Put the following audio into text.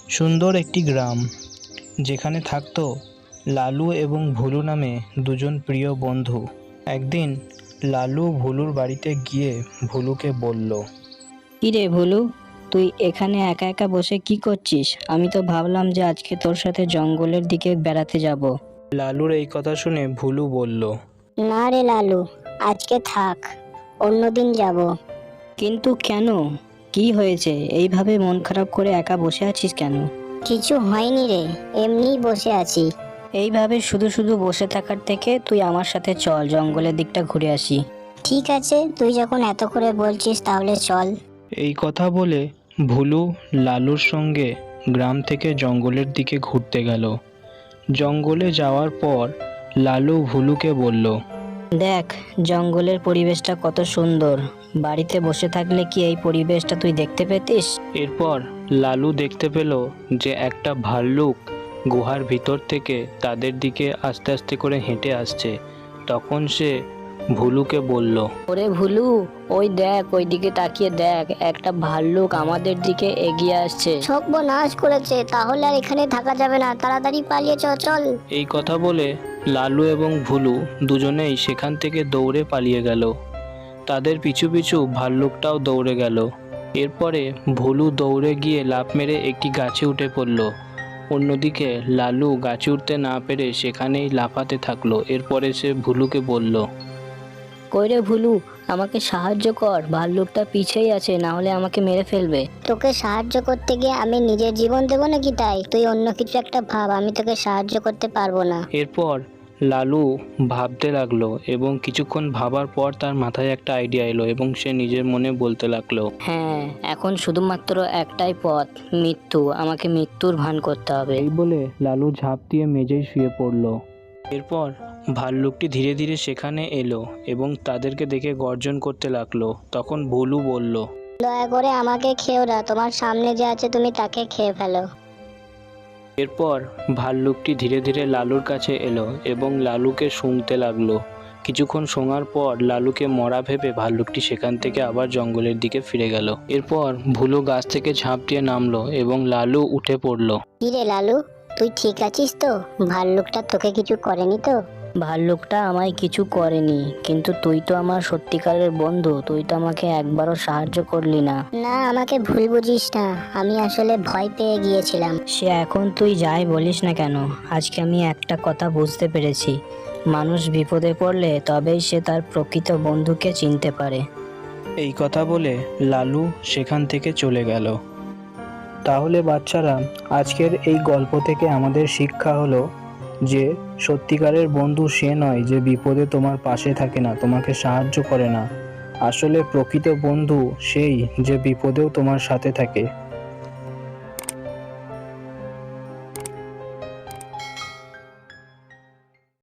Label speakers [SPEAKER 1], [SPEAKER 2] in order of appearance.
[SPEAKER 1] সুন্দর একটি গ্রাম, যেখানে থাকতো লালু এবং ভুলু নামে দুজন প্রিয় বন্ধু। একদিন লালু ভুলুর বাড়িতে গিয়ে ভুলুকে বলল,
[SPEAKER 2] কিরে ভুলু, তুই এখানে একা একা বসে কি করছিস? আমি তো ভাবলাম যে আজকে তোর সাথে জঙ্গলের দিকে বেড়াতে যাব।
[SPEAKER 1] লালুর এই কথা শুনে ভুলু বলল,
[SPEAKER 3] না রে লালু, আজকে থাক, অন্যদিন যাব।
[SPEAKER 2] কিন্তু কেন? কি হয়েছে? এইভাবে মন খারাপ করে একা বসে আছিস কেন?
[SPEAKER 3] কিছু হয়নি রে, এমনিই বসে আছি।
[SPEAKER 2] এইভাবে শুধু শুধু বসে থাকার থেকে তুই আমার সাথে চল, জঙ্গলের দিকটা ঘুরে আসি।
[SPEAKER 3] ঠিক আছে, তুই যখন এত করে বলছিস তাহলে চল।
[SPEAKER 1] এই কথা বলে ভুলু লালুর সঙ্গে গ্রাম থেকে জঙ্গলের দিকে ঘুরতে গেল। জঙ্গলে যাওয়ার পর লালু ভুলুকে বলল,
[SPEAKER 2] দেখ, জঙ্গলের পরিবেশটা কত সুন্দর। বাড়িতে বসে থাকলে কি এই পরিবেশটা তুই দেখতে পেতিস?
[SPEAKER 1] এরপর লালু দেখতে পেল যে একটা ভাল্লুক গুহার ভিতর থেকে তাদের দিকে আস্তে আস্তে করে হেঁটে আসছে। তখন সে ভুলুকে বলল,
[SPEAKER 2] ওরে ভুলু, ওই দেখ, ওই দিকে তাকিয়ে দেখ, একটা ভাল্লুক আমাদের দিকে এগিয়ে আসছে।
[SPEAKER 3] সর্বনাশ করেছে, তাহলে আর এখানে থাকা যাবে না, তাড়াতাড়ি পালিয়ে চল।
[SPEAKER 1] এই কথা বলে লালু এবং ভুলু দুজনেই সেখান থেকে দৌড়ে পালিয়ে গেল। তাদের পিছু পিছু ভাল্লুকটাও দৌড়ে গেল। এরপরে ভুলু দৌড়ে গিয়ে লাফ মেরে একটি গাছে উঠে পড়ল। অন্যদিকে লালু গাছে উঠতে না পেরে সেখানেই লাফাতে থাকলো। এরপরে সে ভুলুকে বলল,
[SPEAKER 2] কইরে ভুলু, আমাকে সাহায্য কর, ভাল্লুকটা পিছেই আছে, না হলে আমাকে মেরে ফেলবে।
[SPEAKER 3] তোকে সাহায্য করতে গিয়ে আমি নিজের জীবন দেবো নাকি? তাই তুই অন্য কিছু একটা ভাব, আমি তোকে সাহায্য করতে পারবো না।
[SPEAKER 1] এরপর লালু ভাবতে লাগলো এবং কিছুক্ষণ ভাবার পর তার মাথায় একটা আইডিয়া এলো এবং সে নিজের মনে বলতে লাগলো,
[SPEAKER 2] হ্যাঁ, এখন শুধুমাত্র একটাই পথ, মৃত্যু। আমাকে মৃত্যুর ভান করতে হবে।
[SPEAKER 1] এই বলে লালু ঝাঁপ দিয়ে মেঝেয় শুয়ে পড়ল। এরপর ভাল্লুকটি ধীরে ধীরে সেখানে এলো এবং তাদেরকে দেখে গর্জন করতে লাগলো। তখন ভুলু বলল,
[SPEAKER 3] দয়া করে আমাকে খেও না, তোমার সামনে যে আছে তুমি তাকে খেয়ে ফেলো।
[SPEAKER 1] এরপর ভাল্লুকটি ধীরে ধীরে লালুর কাছে এলো এবং লালুকে শুঁকতে লাগলো। কিছুক্ষণ শোঙার পর লালুকে মরা ভেবে ভাল্লুকটি সেখান থেকে আবার জঙ্গলের দিকে ফিরে গেল। এরপর ভুলু গাছ থেকে ঝাঁপ দিয়ে নামলো এবং লালু উঠে পড়ল।
[SPEAKER 3] কিরে লালু, তুই ঠিক আছিস তো? ভাল্লুকটা তোকে কিছু করেনি তো?
[SPEAKER 2] ভাল্লুকটা আমায় কিছু করেনি, কিন্তু তুই তো আমার সত্যিকারের বন্ধু, তুই তো আমাকে একবারও সাহায্য করলি না।
[SPEAKER 3] না, আমাকে ভুল বুঝিস না, আমি আসলে ভয় পেয়ে গিয়েছিলাম।
[SPEAKER 2] সে এখন তুই যাই বলিস না কেন, আজকে আমি একটা কথা বুঝতে পেরেছি, মানুষ বিপদে পড়লে তবেই সে তার প্রকৃত বন্ধুকে চিনতে পারে।
[SPEAKER 1] এই কথা বলে লালু সেখান থেকে চলে গেল। তাহলে বাচ্চারা, আজকের এই গল্প থেকে আমাদের শিক্ষা হলো যে সত্যিকারের বন্ধু সে নয় যে বিপদে তোমার পাশে থাকে না, তোমাকে সাহায্য করে না। আসলে প্রকৃত বন্ধু সেই যে বিপদেও তোমার সাথে থাকে।